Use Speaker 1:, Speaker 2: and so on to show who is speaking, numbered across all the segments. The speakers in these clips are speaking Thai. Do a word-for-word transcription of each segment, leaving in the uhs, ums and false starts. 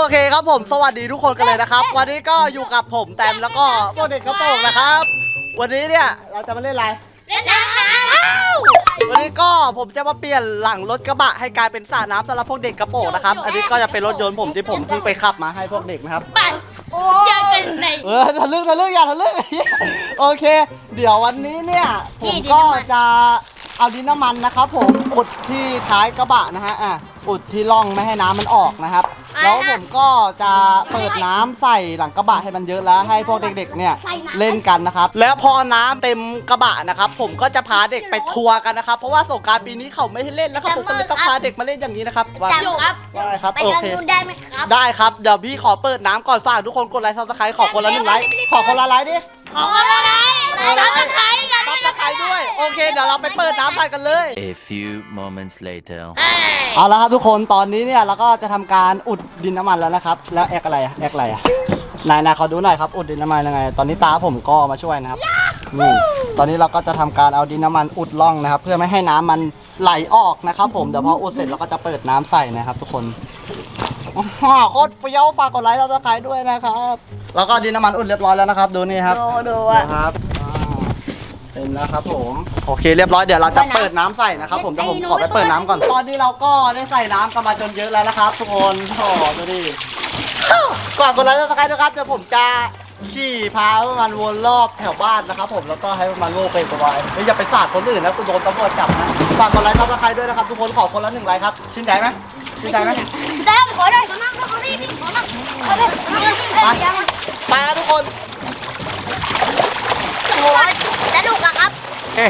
Speaker 1: เคครับผมสวัสดีทุกคนกันเลยนะครับวันนี้ก็อยู่กับผมแตมแล้วก็พวกเด็กกระโปรงนะครับวันนี้เนี่ยเราจะมาเล่นอะไร
Speaker 2: เล่นน้
Speaker 1: ำวันนี้ก็ผมจะมาเปลี่ยนหลังรถกระบะให้กลายเป็นสระน้ำสำหรับพวกเด็กกระโปรงนะครับอันนี้ก็จะเป็นรถยนต์ผมที่ผมเพิ่งไปขับมาให้พวกเด็กนะครับ
Speaker 2: ไปเจอกันใน
Speaker 1: เออทะลึ่งทะลึ่งอย่าทะลึ่งโอเคเดี๋ยววันนี้เนี่ยผมก็จะเอาดินน้ำมันนะครับผมอุดที่ท้ายกระบะนะฮะอ่ะอุดที่ร่องไม่ให้น้ำมันออกนะครับแล้วผมก็จะเปิดน้ำใส่หลังกระบะให้มันเยอะแล้วให้พวกเด็กๆเนี่ยเล่นกันนะครับแล้วพอน้ำเต็มกระบะนะครับผมก็จะพาเด็กไปทัวร์กันนะครับเพราะว่าสงกรานต์ปีนี้เขาไม่ให้เล่นแล้วครับผมก็เลยต้องพาเด็กมาเล่นอย่างนี้นะครับว่า
Speaker 2: ครับ
Speaker 1: ได้ครับ
Speaker 2: ไป
Speaker 1: โอ
Speaker 2: ทาง
Speaker 1: เค
Speaker 2: นู้นได้ไหมครับ
Speaker 1: ได้ครับเดี๋ยวพี่ขอเปิดน้ำก่อนฝากทุกคนกดไลค์ซับสไครต์ขอคนละหนึ่งไลค์ขอคนละไลค์ดิ
Speaker 2: ขอคนละไลค์ซับสไครต์กัน
Speaker 1: ซับสไครต์ด้วยโอเคเดี๋ยวเราไปเปิดน้ำใส่กันเลย
Speaker 3: A few moments later
Speaker 1: เอาละครับทุกคนตอนนี้เนี่ยเราก็จะทำการอุดดินน้ำมันแล้วนะครับแล้วแอกอะไรอะแอกอะไรอะนายนายเขาดูหน่อยครับอุดดินน้ำมันยังไงตอนนี้ตาผมก็มาช่วยนะครับนี่ตอนนี้เราก็จะทำการเอาดินน้ำมันอุดร่องนะครับเพื่อไม่ให้น้ำมันไหลออกนะครับผมเดี๋ยวพออุดเสร็จเราก็จะเปิดน้ำใส่นะครับทุกคนโคตรเฟี้ยวฝากกดไลค์ซับสไครต์ด้วยนะครับแล้วก็ดินน้ำมันอุดเรียบร้อยแล้วนะครับดูนี่ครับ
Speaker 2: ดูดู
Speaker 1: ครับเต็มแล้วครับผมโอเคเรียบร้อยเดี๋ยวเราจะเปิดน้ำใส่นะครับผมเดี๋ยวผมขอไปเปิดน้ำก่อนตอนนี้เราก็ได้ใส่น้ำกันมาจนเยอะแล้วนะครับทุกคนโอ้ดูดิก่อนกดไลค์ซับสไครต์นะครับเดี๋ยวผมจะขี่พามันวนรอบแถวบ้านนะครับผมแล้วก็ให้มันโง่เป็นตัวไว้ไม่อย่าไปสาดคนอื่นนะคุณโดนตำรวจจับนะฝากกดไลค์ซับสไครต์ด้วยนะครับทุกคนขอคนละหนึ่งไลค์ครับชื่นใจไหมชื่นใจไหม
Speaker 2: แต้มขอได้ขอนั่งขอได้ขอนั่งขอได้
Speaker 1: ไปครับทุกคน
Speaker 2: โอ้ยสนุกอะครับ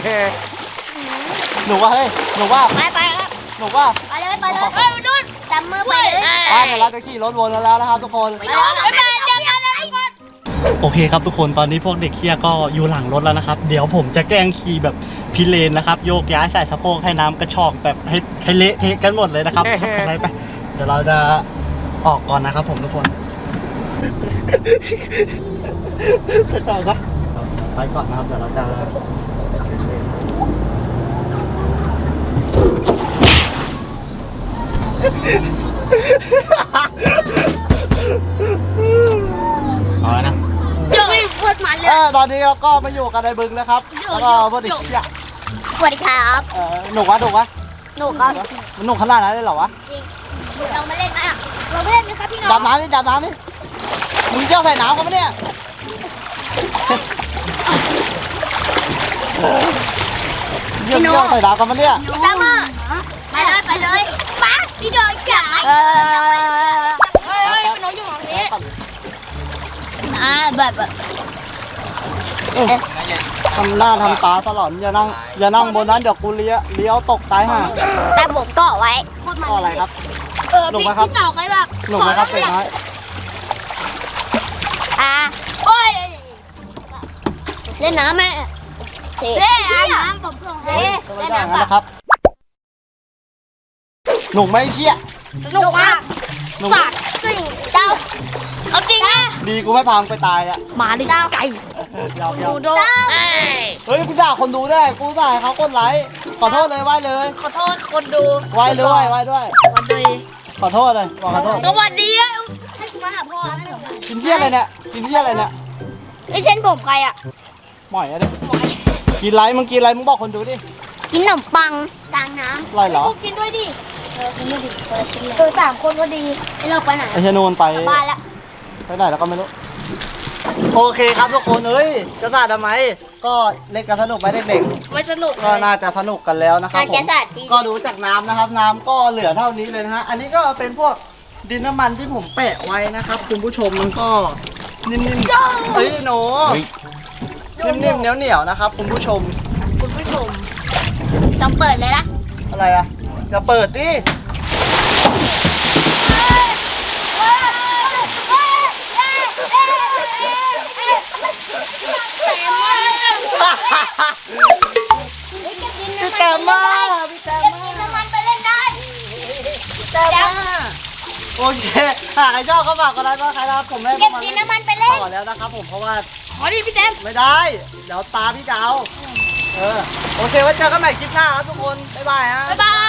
Speaker 1: หนูว่าเฮ้ยหนูว่า
Speaker 2: ไปไปครับ
Speaker 1: หนูว่า
Speaker 2: ไปเลยไปเลยไปนู่นจับมือไปเลย
Speaker 1: ไปเดี๋ยวเราจะขี่รถวนแล้วนะครับทุกคน
Speaker 2: ไปนอนไปเจอกันนะทุกคน
Speaker 1: โอเคครับทุกคนตอนนี้พวกเด็กเคี้ยก็อยู่หลังรถแล้วนะครับเดี๋ยวผมจะแกล้งขี่แบบพิเรนนะครับโยกย้ายใส่สะโพกให้น้ำกระชอกแบบให้ให้เละเทะกันหมดเลยนะครับอะไรไปเดี๋ยวเราจะออกก่อนนะครับผมทุกคนกระชอกก็ไปก่อนนะครับเดี๋ยวเราจะเอาละนะ
Speaker 2: เดี๋ยวไม่พูดมันเลย
Speaker 1: เออตอนนี้เราก็มาอยู่กันในบึงแล้วครับแล้วก็พอดีเคี้ย
Speaker 2: สวัสดีครับ
Speaker 1: เออหนุกวะหนุกวะ
Speaker 2: หนุกครับ
Speaker 1: มันหนุกขนาดนั้นเลยเหรอวะ
Speaker 2: จริงเรามาเล่นไหมอ่ะเราไม่เล่นนะครับพี่น้อง
Speaker 1: ดำน้ำนี่ดำน้ำนี่มึงเจ้าใส่น้ำกันปะเนี่ยเยี่ยมเยี่ยมใส่น้ำกันปะเนี่ย
Speaker 2: พี่ตั้มอ่ะไปเลยไปเลยมาพี่น้องจ๋าเฮ้ยเฮ้ยพี่น้องอยู่ตรงนี้อ่าแบบแบบ
Speaker 1: ทำหน้าทำตาสลอนอย่านั่งอย่านั่งบนนั้นเดี๋ยวกูเลี้ยวเลี้ยวตกตายห่า
Speaker 2: แต่ผมเกาะไว้
Speaker 1: ก็อะไรครับ
Speaker 2: เออพี่พี่เต่าใครแบบ
Speaker 1: หนุกไหมครับเด็กน้อย
Speaker 2: อ่าโอ้ยเล่นน้ำไหมเล่นน้ำผมก็เล่นเล่นน้ำ
Speaker 1: นะครับหนุกไหมเชี่ย
Speaker 2: หนุกมากสัตว์สิ่งเจ้าเอาจริงนะ
Speaker 1: ดีกูไม่พามไปตายอ่ะ
Speaker 2: มาดิไก่
Speaker 1: ดู
Speaker 2: ดู
Speaker 1: เฮ้ยกูด่าคนดูได้กูด่าเขากดไลค์ขอโทษเลยไหว้เลย
Speaker 2: ขอโทษคนดู
Speaker 1: ไหว้เลยไหว้ด้วย
Speaker 2: วันดี
Speaker 1: ขอโทษเลยบอกขอโทษ
Speaker 2: ก็วันดีอ่ะให้กูมาหาพ่อนะ
Speaker 1: กินเที่ยอะไรเนี่ยกินเที่ยอะไรเนี่ย
Speaker 2: ไอ้เส้นผมใครอ่ะ
Speaker 1: หม่อยอะดิกินไรมึงกินไรมึงบอกคนดูดิ
Speaker 2: กินขนมปังกลางน้ำ
Speaker 1: ไรเหรอ
Speaker 2: กินด้วยดิเออกินด้วยดิเออสามคนก็ดีไอ้เราไปไหน
Speaker 1: ไอ้เชนูนไป
Speaker 2: บ้านละ
Speaker 1: ไปไหนแล้วก็ไม่รู้โอเคครับทุกคนเอ้ยจะสาดทำไมก็เล่นกันสนุกไหมเด็ก
Speaker 2: ๆไม่สนุก
Speaker 1: ก็น่าจะสนุกกันแล้วนะครับผมก็ดูจากน้ำนะครับน้ำก็เหลือเท่านี้เลยนะฮะอันนี้ก็เป็นพวกดินน้ำมันที่ผมแปะไว้นะครับคุณผู้ชมมันก็นิ่มๆเฮ้ยหนูนิ่มๆเหนียวๆนะครับคุณผู้ชม
Speaker 2: คุณผู้ชมต้องเปิดเลยนะ
Speaker 1: อะไรอะอย่าเปิดดิพี่แกมาพี่แกมา
Speaker 2: กินน้ำมันไปเล่นได้
Speaker 1: พี่แกมาโอเคหากใครชอบก็ฝากกดไลค์ก็ใครรับผมได้
Speaker 2: เก็บกินน้ำมันไปเล่น
Speaker 1: ต่อแล้วนะครับผมเพราะว่า
Speaker 2: ขอดิพี่แซม
Speaker 1: ไม่ได้เดี๋ยวตาพี่จะเอาเออโอเคไว้เจอกันใหม่คลิปหน้าครับทุกคนบ๊ายบายฮะ
Speaker 2: บ๊ายบาย